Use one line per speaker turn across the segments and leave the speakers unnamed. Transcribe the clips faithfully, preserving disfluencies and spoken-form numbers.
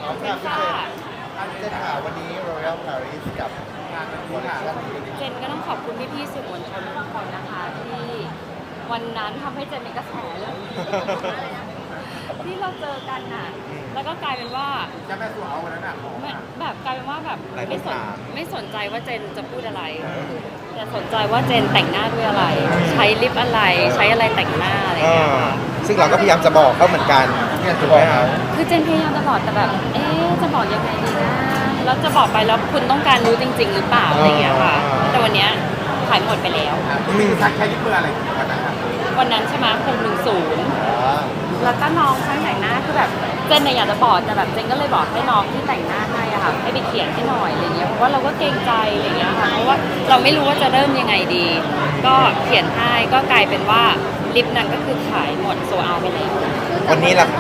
ค่ะพี่เจนเจนค่ะวันนี้ Royal Paris กับงานวันนี้ค่ะ
เจนก็ต้องขอบคุณพี่ๆสื่อมวลชนทุกคนนะคะที่วันนั้นทำให้เจนเป็นกระแสเลย ที่เราเจอกันน่ะ แล้วก็กลายเป็นว่า
จะแม่ตัวเอาวันนั้นอ่ะ
ไม่แบบกลายเป็นว่าแบบ
หลายคน
ไม่สน
ถาม
ไม่สนใจว่าเจนจะพูดอะไร แต่สนใจว่าเจนแต่งหน้าด้วยอะไร ใช้ลิปอะไร ใช้อะไรแต่งหน้าอะไรอย่างเงี้ยค่ะ
ซึ่งเราก็พยายามจะบอกเขาเหมือนกัน
เนี่ย
ถู
ถู
ก
ก
ไห
ไห
ม
ม
ค
ค
รั
รั
บบ
คือเจนพยายามจะบอกแต่แบบ เอ๊ะจะบอกยังไงดีนะ แล้วจะบอกไปแล้วคุณต้องการรู้จริง ๆ หรือเปล่าอะไรอย่างเงี้ยค่ะ แต่วันเนี้ยขายหมดไปแล้ว
มีทักใช้ลิปเบอร์อะไรวันนั้นครับ
วันนั้นใช่ไหมคงหนึ่งศูนย์ แล้วก็น้องช่างแต่งหน้าคือแบบเจนเนี่ยอยากจะบอกแต่แบบเจนก็เลยบอกให้น้องที่แต่งหน้าให้อะค่ะให้ไปเขียนให้หน่อยอะไรเงี้ยเพราะว่าเราก็เกรงใจอะไรเงี้ยค่ะเพราะว่าเราไม่รู้ว่าจะเริ่มยังไงดี ก็เขียนให้ก็กลายเป็นว่าลิปนั้นก็คือขายหมดโซเอาไปแล้ว
วันนี้ล่ะ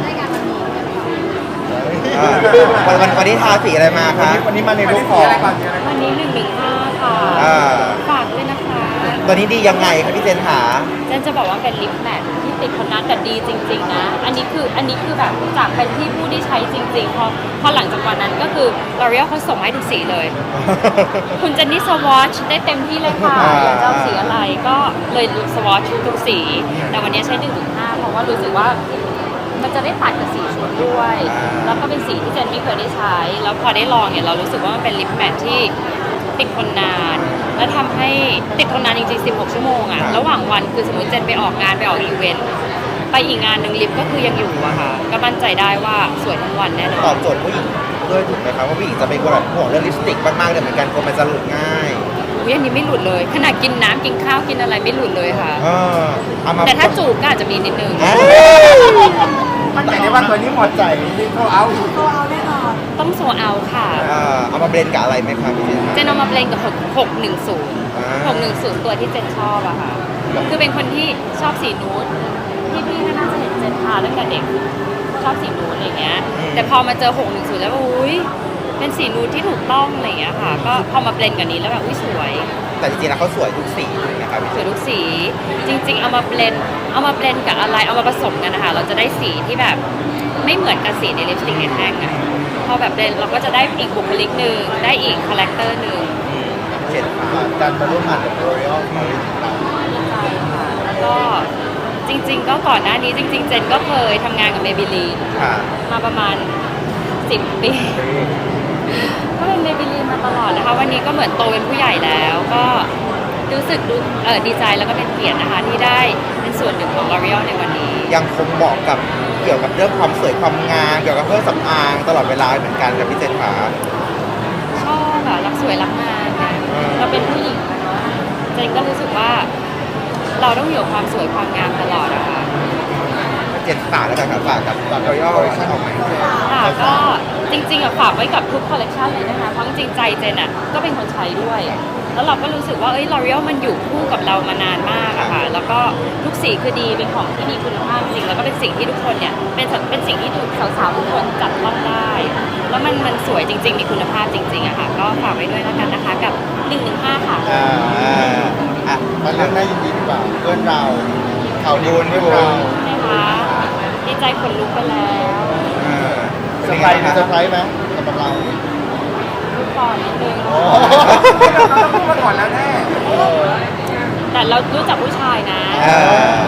อ่าวันวันวันนี้ทาสีอะไรมา
วัน
คะ
นี้วันนี้มาใน
วัน
รู
นี้
ปข
สี
อง
อะไรก่อนสีอะไรก่อน
วันนี้หนึ่งหนึ่งห้าค่ะ
อ่า
ฝากด้วยนะคะ
ตัวนี้ดียังไงครับพี่เจนหา
เจนจะบอกว่าเป็นลิปแมทที่ติดคนนั้นแต่ดีจริงๆนะอันนี้คืออันนี้คือแบบจากเป็นที่ผู้ที่ใช้จริงๆพอพอหลังจากวันนั้นก็คือ L'Oreal เขาส่งมาให้ทุกสีเลย คุณเจนนี่สวอชได้เต็มที่เลยค่ะ
อ่า
อยากจะเอาสีอะไรก็เลยสวอชทุกสี แต่วันนี้ใช้หนึ่งถึงห้าเพราะว่ารู้สึกว่ามันจะได้ตัดกับสีชุดด้วย แล้วก็เป็นสีที่เจนไม่เคยได้ใช้ แล้วพอได้ลองเนี่ยเรารู้สึกว่ามันเป็นลิปแมทที่ติดคนนาน และทำให้ติดคนนานจริงๆสิบหกชั่วโมงอะระหว่างวันคือสมมติเจนไปออกงานไปออกอีเวนต์ไปอีกงานหนึ่งลิปก็คือยังอยู่อะค่ะก็มั่นใจได้ว่าสวยทั้งวันแน่น
ต
อ
อน บโจทย์ผู้หญิงด้วยถูกไหมครับว่าผู้หญิงจะเป็นคนแบบห่วงเรื่องลิปสติกมากๆเลยเหมือนกันกลัวมันจะหลุดง่าย
อุ๊ยอันนี้ไม่หลุดเลยขนาดกินน้ำกินข้าวกินอะไรไม่หลุดเลยค่ะ
เออเอามา
แต่ถ้าจูบก็อาจจะมีนิดนึง
เอ้ย
มั่นใจได้ว่าตัวนี้หมดใจลิปเข้าเอาอยู่
ต้องโซเอาค่ะ
เออเอามาเบรนกับอะไรไหมครับพี่เจน
เจนเอามาเบลนกับหกหนึ่งศูนย์
อ่า
หกหนึ่งศูนย์ตัวที่เจนชอบอะค่ะ คือเป็นคนที่ชอบสีนูดพี่พี่ๆก็น่าจะเห็นเจนทาตั้งแต่เด็กชอบสีนูดอะไรเงี้ย แต่พอมาเจอหกหนึ่งศูนย์แล้วอุ้ยเป็นสีนูดที่ถูกต้องอะไรเงี้ยค่ะ ก็พอมาเบลนกับนี้แล้วแบบอุ้ยสวย
แต่จริงๆแล้วเขาสวยทุกสีถูกไหมครับพี่
ส
เจ
วย
น
ทุกสี จริง ๆ เอามาเบลนเอามาเบลนกับอะไรเอามาผสมกันนะคะเราจะได้สีที่แบบไม่เหมือนกับสีในลิปสติกในแท่งอะพอแบบเบลนเราก็จะได้อีกบุคลิกหนึ่งได้อีกคาแรคเตอร์หนึ่ง
เจนค่ะ
การมาร่วมงานกับ Royal Paris ของเรา
ดีใจค่ะ แล้วก็จริง ๆ ก็ก่อนหน้านี้จริง ๆ เจนก็เคยทำงานกับเมบิลีน
ค่ะ
มาประมาณสิบปี ก็เป็นเมบิลีนมาตลอดนะคะ วันนี้ก็เหมือนโตเป็นผู้ใหญ่แล้ว ก็รู้สึกดูเออดีใจแล้วก็เป็นเกียรตินะคะที่ได้เป็นส่วนหนึ่งของ L'Oreal ในวันนี้
ยังคงบอกกับเกี่ยวกับเรื่องความสวยความงามเกี่ยวกับเครื่องสำอางตลอดเวลาเหมือนกันกับพี่เจนค่ะ
ชอบอะรักสวยรักงามนะ
อืม
เราเป็นผู้หญิงอะเนาะเจนก็รู้สึกว่า เราต้องอยู่กับความสวยความงามตลอดอะค่ะ
เจนฝากแล้วกันครับฝากกับฝากรอยัลชั่นออกมา
ค่ะก็จริงๆอะฝากไว้กับทุกคอลเลกชันเลยนะคะเพราะจริงๆใจเจนอะก็เป็นคนใช้ด้วย แล้วเราก็รู้สึกว่าเอ้ย L'Oreal มันอยู่คู่กับเรามานานมากอะค่ะแล้วก็ทุกสีคือดีเป็นของที่มีคุณภาพจริงแล้วก็เป็นสิ่งที่ทุกคนเนี่ยเป็นสัเป็นสิ่งที่ทุกสาวๆทุกคนจับต้องได้ แล้วมันมันสวยจริง ๆ มีคุณภาพจริงๆอะค่ะก็ฝากไว้ด้วยแล้วกันนะคะกับหนึ่งหนึ่งห้าค่ะ
อ่าอ่ะ
มาเรื่องน่ายินดีดีกว่าเพื่อนเราข่าวดี
บุญ
เพื่อน
บุญ
เรา
นะคะดีใจขนลุกไปแล้ว
อ่า
เซอร์ไพรส์มีเซอร์ไพรส์ไหมสำหรับเรา
ลูกก่อนนิดนึง
โอ้
เราต้องพูดมาก่อนแล้วแน่
แต่เรารู้จักผู้ชายนะ
เออ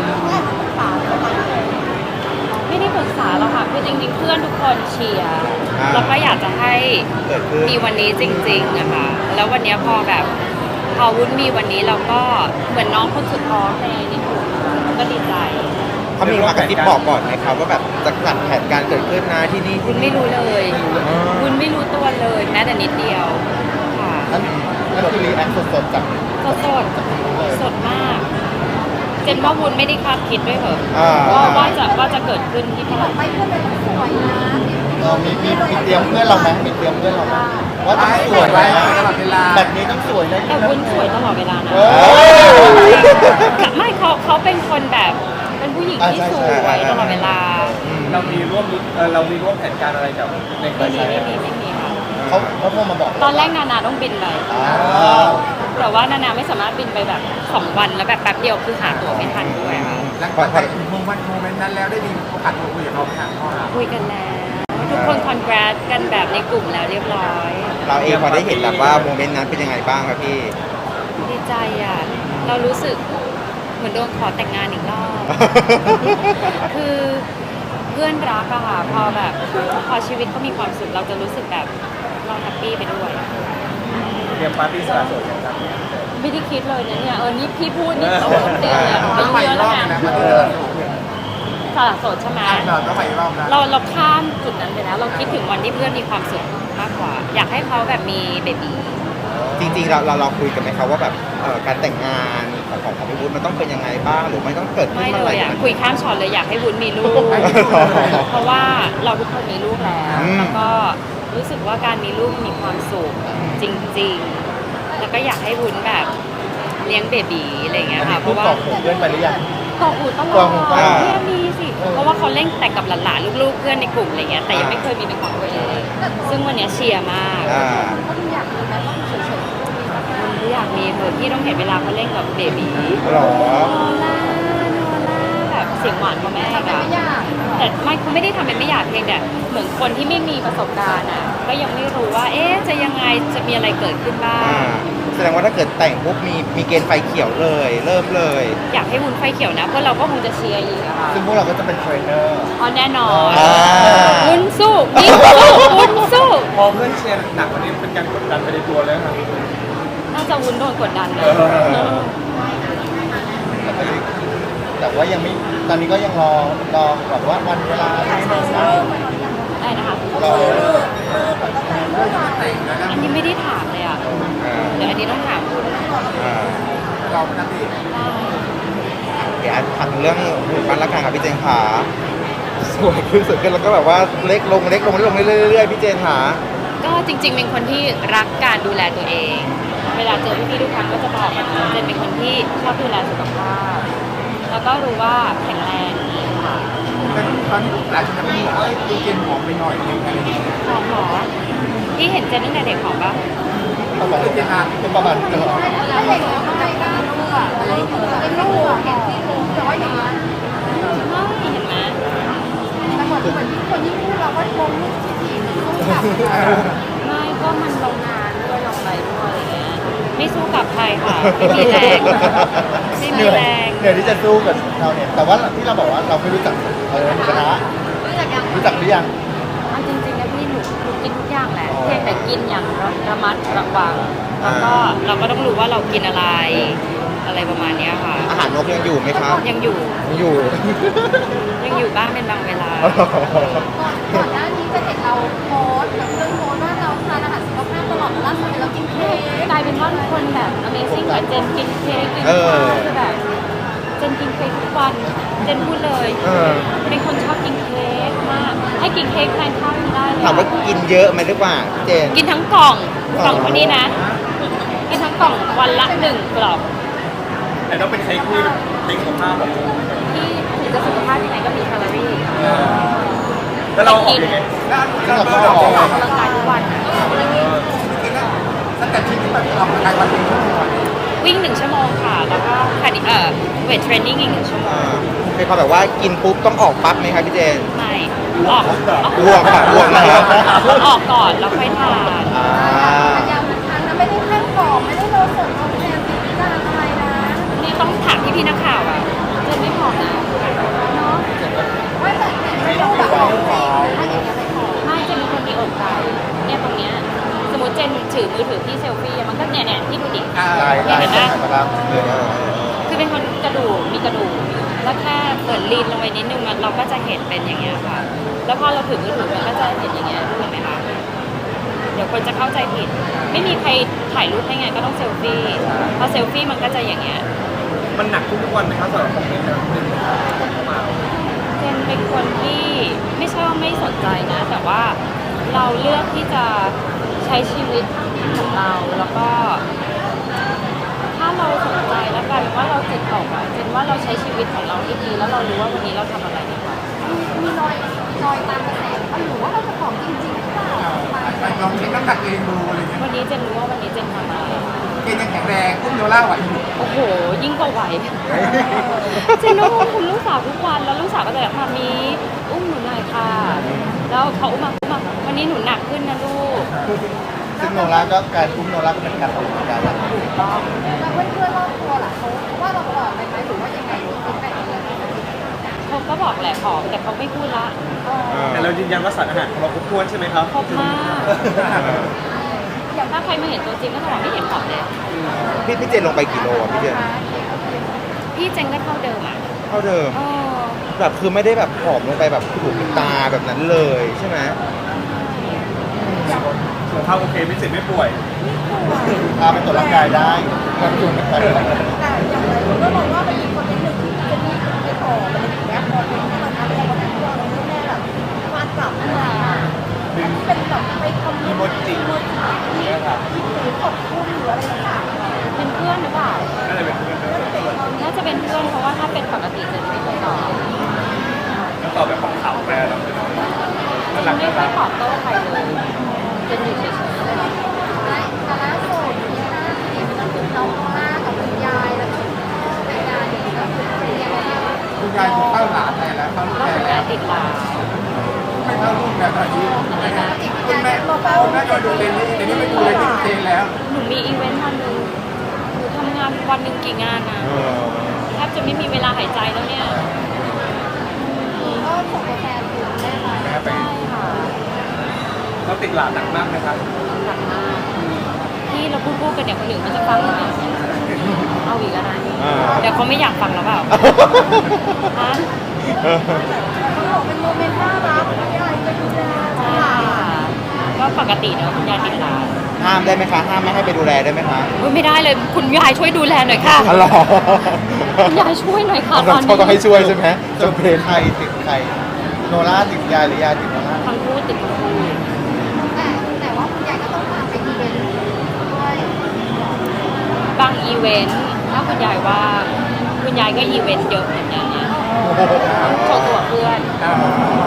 ไม่ได้ปรึกษาหรอกค่ะคือจริงๆ เพื่อนทุกคนเชียร์
อ่า
แล้วก็อยากจะให้
เกิดขึ้น
มีวันนี้จริงๆนะคะแล้ววันนี้พอแบบพอวุ้นมีวันนี้เราก็เหมือนน้องคนสุดท้องในในกลุ่มก็ดีใจ
เขามีมากระซิบบอกก่อนไหมครับว่าแบบจะจัดแผนการเกิดขึ้นนะที่นี่
วุ้นไม่รู้เลย
อ๋อ
วุ้นไม่รู้ตัวเลยแม้แต่นิดเดียวค่ะ
นั่นนั่นคือรีแอคสดๆจาก
สดสด
จากคุณรู้เลย
สดมาก เจนว่าวุ้นไม่ได้คาดคิดด้วยเหรอ
อ่า
ว่าว่าจะว่าจะเกิดขึ้นที่พลัง
เออมีมีมีเตรียมเพื่อนเราไหมมีเตรียมเพื่อนเราไหมว่าต้องสวย
ไว้
นะ
ตลอดเวลา
แบบนี้ต้องสวยนะ
แต่วุ้นสวยตลอดเวลานะ
เออ
ไม่เขาเขาเป็นคนแบบเป็นผู้หญิงที่สวยตลอดเวลา
เรามีร่วมเออเรามีร่วมแผนการอะไรกับใน
ไม่มีไม่มีไม่มีค่ะ
เขาเขาโทรมาบอก
ตอนแรกนานาต้องบินไป
อ้าว
แต่ว่านานาไม่สามารถบินไปแบบสองวันแล้วแบบแป๊บเดียวคือหาตั๋วไม่ทันด้วยค่ะ
หลังจากโมเมนต์โมเมนต์นั้นแล้วได้มีโอกาสคุยกับเขาไหมครับพ่อ
คุยกันแล้วทุกคนคอนแกรสกันแบบในกลุ่มแล้วเรียบร้อย
เราเองพอได้เห็นแบบว่าโมเมนต์นั้นเป็นยังไงบ้างครับพี่
ดีใจอ่ะ เรารู้สึกเหมือนโดนขอแต่งงานอีกรอบ คือเพื่อนรักอะค่ะ พอแบบพอชีวิตเขามีความสุขเราจะรู้สึกแบบเราแฮปปี้ไปด้วย
เตรียมปาร์ตี้สละโสดกันครับ
ไม่ได้คิดเลยนะเนี่ย เออ นี่พี่พูดนี่โอ้โหเตียเนี่ยอายุเยอะแล้วไงสละโสดใช่ไหม
เราต้องไปรอบนะ
เราเราข้ามจุดนั้นไปแล้ว เราคิดถึงวันที่เพื่อนมีความสุขมากกว่า อยากให้เขาแบบมีเบบี
จริงๆเราเราเราคุยกันไหมครับว่าแบบเอ่อการแต่งงานของของของพี่วุฒิมันต้องเป็นยังไงบ้างหรือไม่ต้องเกิดขึ้น
ไม่
เมื่อ
เล
ไหร่
ยอ่ะ คุยข้ามช็อตเลยอยากให้วุ้นมีลูก เพราะว่าเราทุกคนมีลูกแล้ว แล้วก็รู้สึกว่าการมีลูกมีความสุขจริงๆ แล้วก็อยากให้วุ้นแบบเลี้ยงเบบีอะไรอย่างเงี้ยค่ะ เพ
พูด
ราะว่า
ต่อผมเพื่อนไปหรือยัง
กอกหูตล
ก
อ
อ
ด
กหูตลอด
เนี่ยมีสิ เพราะว่าเขาเล่นแต่กับหลานๆลูกๆเพื่อนในกลุ่มอะไรเงี้ย แต่ยังไม่เคยมีเป็นของตัวเอง ซึ่งวันเนี้ยเชียร์มาก
อ่า
วุ้นอยากมีเถอะพี่ต้องเห็นเวลาเขาเล่นกับเบบี
หรอ
โนล่าโนล่าแบบเสียงหวานของแม่อะแต่ไม่เขาไม่ได้ทำเป็นไม่อยากเพียงแต่เหมือนคนที่ไม่มีประสบการณ์อ่ะ ก็ยังไม่รู้ว่า เอ๊ะ จะยังไง จะมีอะไรเกิดขึ้นบ้า
อ่าง แสดงว่าถ้าเกิดแต่งปุ๊บมีมีเกณฑ์ไฟเขียวเลย เริ่มเลย
อยากให้วุ้นไฟเขียวนะ เพราะเราก็คงจะเชียร์อีกอะค่ะ
ซึ่งพวกเราก็จะเป็นเทรนเนอร์
อ๋อแน่นอน
อ่า
วุ้นสู้วิ่งสู้วุ้นสู้
พอเพื่อนเชียร์หนักวันนี้เป็นการกดดันไปในตัวเลยครับ
น่าจะวุ้นโดนกดดันเลย
เออ
เออ
แต่ว่ายังไม่ ตอนนี้ก็ยังรอ รอแบบว่าวันเวลาที่ไม่ทราบ
ได้นะคะ
รอ
อันนี้ไม่ได้ถามเลยอ่ะ
อ่า
เดี๋ยวอันนี้ต้องถามคุณ
อ่า
เราปกติ
ได้
เดี๋ยวถามเรื่องบ้านละกันครับพี่เจนขาสวยขึ้นสวยขึ้นแล้วก็แบบว่าเล็กลงเล็กลงเล็กลงเรื่อยๆพี่เจนขา
ก็จริงๆ เป็นคนที่รักการดูแลตัวเอง เวลาเจอพี่ๆทุกครั้งก็จะบอกกันว่าเจนเป็นคนที่ชอบดูแลสุขภาพ แล้วก็รู้ว่าแข็งแรงดีค่ะ
แต่ตอนนี้หลายคนจะบอกว่าดูเกณฑ์ผอมไปหน่อยนึงอะไรอย่างเงี้ย
หอมหอที่เห็นเจนตั้งแต่เด็กหอมปะ
เขาบอกว่าเกณฑ์อาเป็นประมาณเท่าไหร่
แล้วเด็กแล้วก็ไม่กล้าลูกอ่ะอะไรอย่างเงี้ยเป็นลูกเห็นที่ลูกแต่ว่าอย่างนั้นไม่เห็นไหม
แต่เหมือนเหมือนคนที่พูดเราก็มองลูกที่ดีสู้กับ
ไม่ก็มันลงงานด้วยลงอะไรด้วยอะไรเงี้ยไม่สู้กับใครค่ะไม่มีแรงไม่
เห
มี
นื่อย
แรง
เหนื่อยที่จะสู้กับเราเนี่ย แต่ว่าที่เราบอกว่าเราไม่รู้จักเออหมูกระทะ
รู้จักยัง
รู้จักหรือยัง
เอาจริงๆนะพี่หนูหนูกินทุกอย่างแหละเพียงแต่กินอย่างระมัดระวังแล้วก็เราก็ต้องรู้ว่าเรากินอะไร อะไรประมาณเนี้ยค่ะ
อาหารนกยังอยู่ไหมครับ
ยังอยู่
ยังอยู่
ยังอยู่บ้างเป็นบางเวลา
ก่อนหน้านี้จะเห็นเราโพสต์แบบเรื่องโพสต์ว่าเราทานอาหารสุขภาพตลอดล่าสุดเรากินเค้ก
กลายเป็นว่าทุกคนแบบ Amazing กับเจนกินเค้กกิน
เอ
ข้า
อ
วคือแบบเจนกินเค้กทุกวันเจนพูดเลย
เออ
เป็นคนชอบกินเค้กมากให้กินเค้กแทนข้าวไม่ได้เลย
ถามว่ากินเยอะไหมหรือเปล่าพี่เจน
กินทั้งกล่องกล่องคนนี้นะ กินทั้งกล่องวันละหนึ่งกล่อง
แต่ต้องเป็นเค้กที่เค้กสุขภาพแบบ
ที่ถึงจะสุขภาพยังไงก็มีแคลอรี่
แล้วเราออกยังไง
ซึ่งเราก็อ
อ
อ
อก กกำลังกายทุกวันอะ
ตั้งแต่ที่ที่แบบออกกำลังกายวันหนึ่งชั่วโมง
วิ่งหนึ่งชั่วโมงค่ะ แล้วก็คาร์ดิเอ่อเวทเทรนนิ่งอีกหนึ่งชั่วโม
อ่าง เป็นความแบบว่ากินปุ๊บต้องออกปั๊บไหมครับพี่เจน
ไม่ออกออก
อ้วกค่ะอ้วกนะครับ
ออกก่อนแล้วค่อยทาน
อ่า
ยาวมันทานนะไม่ได้แค่กรอบไม่ได้โดนผลทดแทนสิ่งที่จะอะไรนะ
นี่ต้องถามพี่พี่ๆนักข่าวอ่ะเจนไม่ผอมนะ
เนาะว่าแต่ไม่รู้แบบของจริงถ้าอย่างเงี้ยไปขอ
ไม่เจนเป็นคนมีอกไก่เนี่ยตรงเนี้ยสมมติเจนถือมือถือที่เซลฟี่อะมันก็เนี่ยเนี่ยที่ดูดิ
ได้ได้
เห็นไหม
ได้ครับ
คือเป็นคนกระดูกมีกระดูกแล้วแค่เปิดลีนลงไปนิดนึงมันเราก็จะเห็นเป็นอย่างเงี้ยค่ะ แล้วพอเราถือมือถือมันก็จะเห็นอย่างเงี้ยเห็นไหมคะเดี๋ยวคนจะเข้าใจผิด ไม่มีใครถ่ายรูปให้ไงก็ต้องเซลฟี่พอเซลฟี่มันก็จะอย่างเงี้ย
มันหนักทุกๆวันไหมครับสำหรับคอมเมนต์แต่ละคนเข้ามา
เจนเป็นคนที่ไม่ใช่ว่าไม่สนใจนะ แต่ว่าเราเลือกที่จะใช้ชีวิตของเราแล้วก็ ถ้าเราสนใจแล้วกลายเป็นว่าเราจิตตกอะเจนว่าเราใช้ชีวิตของเราที่ดีแล้วเรารู้ว่าวันนี้เราทำอะไรดีกว่า
มีรอยรอยตามกระแสว่าหรือว่าเราจะผอมจริงๆหรือเปล่า
ลองเช็คน้ำหนักเองดูอะไรเงี้ย
วันนี้เจนรู้ว่าวันนี้เจนทำอะไร
เกณฑ์ยังแข็งแรงอุ้มโยล่าไหวอยู่
โอ้โห ยิ่งกว่าไหว เจนรู้ว่าคุณลูกสาวทุกวันแล้วลูกสาวก็จะแบบมามีอุ้มหนูหน่อยค่ะแล้วเขาอุ้มมาอุ้มมาวันนี้หนูหนักขึ้นนะลูก
ซึ่งโนราก็การอุ้มโนราก็เป็นการออกกำลังกายแล้ว
ถูกต้อง
แล้วเพื่อนๆรอบตัวล่ะเขาว่าเราผอมไปไหมหรือว่ายังไงฟีดแบ็กอะไร
เขาก็บอกแหละผอมแต่เขาไม่พูดละ
แต่เรายืนยันว่าสารอาหารของเราครบถ้วนใช่ไหมครับ
ครบมากอย่างถ้าใครมาเห็นตัวจริงก็จะบอกไม่เห็นผอมเลย
พี่พี่เจนลงไปกี่โลอ่ะพี่เจน
พี่เจงก็เท่าเดิมอ่ะ
เท่าเดิม
เออ
แบบคือไม่ได้แบบผอมลงไปแบบถูกตาแบบนั้นเลยใช่ไหม
สุขภาพโอเคไม่เจ็บไม่ป่วย
พาไปตรวจร่างกายได้ก็ชวนกันไป
แต่อย่างไรคนก็มองว่ามันมีคนเป็นหนึ่งที่จะมีไปต่อมันเป็นแอปพอเป็นที่มันทำให้เราแบบว่าเราแม่แบบฟาดกลับขึ้นมาอันนี้เป็นแบบไปคอมเมนต์
โมจิ
โมจิที่หรือขอบคุณหรืออะไรต่าง
เป็นเพื่อนหรือเปล่า
น่าจะเป็นเพื่อน
น่าจะเป็นเพื่อนเพราะว่าถ้าเป็นปกติจะไม่เคยตอบ
แล้วตอบแบบของเขาแปลเราเป็นน่ารัก
ไม่
น่า
ค่
รั
อย
ก
ตอบโต้ใครเลยจะอยู่เฉย
ๆแต่ล่าสุดที่ห้าสี่มันคือน้องหน้ากับคุณยายแล้วก็คุณพ่อไปงานนี้ก็คือเป็นยังไงบ้าง
คุณยายเข้าหลานได้แล้วเข้า
ๆ
ลูก
ก็
แม่
คุณ
แล้
ยายว ติดลา
ไม่เข้าลูกแล้วตอนนี้
คุณแม่คุณแม่
ก็ดูเต็นนี้แต่นี่ไม่ดูเลยที่เต็นแล้ว
หนูมีอีเวนต์วันหนึ่งหนูทำงานวันหนึ่งกี่งานนะ
เออ
แทบจะไม่มีเวลาหายใจแล้วเนี่ย
ก็ส่งตัวแทนถึงแม่มา
ใช่ค่ะ
เราติดหลานหนักมากนะครับ
หนักมากที่เราพูดพูดกันเนี่ยคนอื่นเขาจะฟังไหมเอาอีกแล้วนะ
อ่า
เดี๋ยวเขาไม่อยากฟังแล้วเปล่าฮะ
เออ
เขาบอกเป็นโมเมนต์น่ารักคุณยายจะดูแล
ใช่ค่ะก็ปกติเนอะคุณยายติดลา
ห้ามได้ไหมคะ ห้ามไม่ให้ไปดูแลได้ไหมคะ
อุ๊ยไม่ได้เลยคุณยายช่วยดูแลหน่อยค่ะ
อ๋อเหรอ
คุณยายช่วยหน่อยค่ะต
ต้
อ
อน ง
นี้
ต้องให้ช่วยใช่ไหม
จนเพลใครติดใครโนราติดยายหรือยายติดโนรา
ทั้งคู่ติดทั้งคู่
แต่แต่ว่าคุณยายก็ต้องพาไปอีเวนต์ด้วย
บางอีเวนต์ถ้าคุณยายว่างคุณยายก็อีเวนต์เยอะเหมือนกันเนี่ยโชว์ตัวเพื่อน
อ่า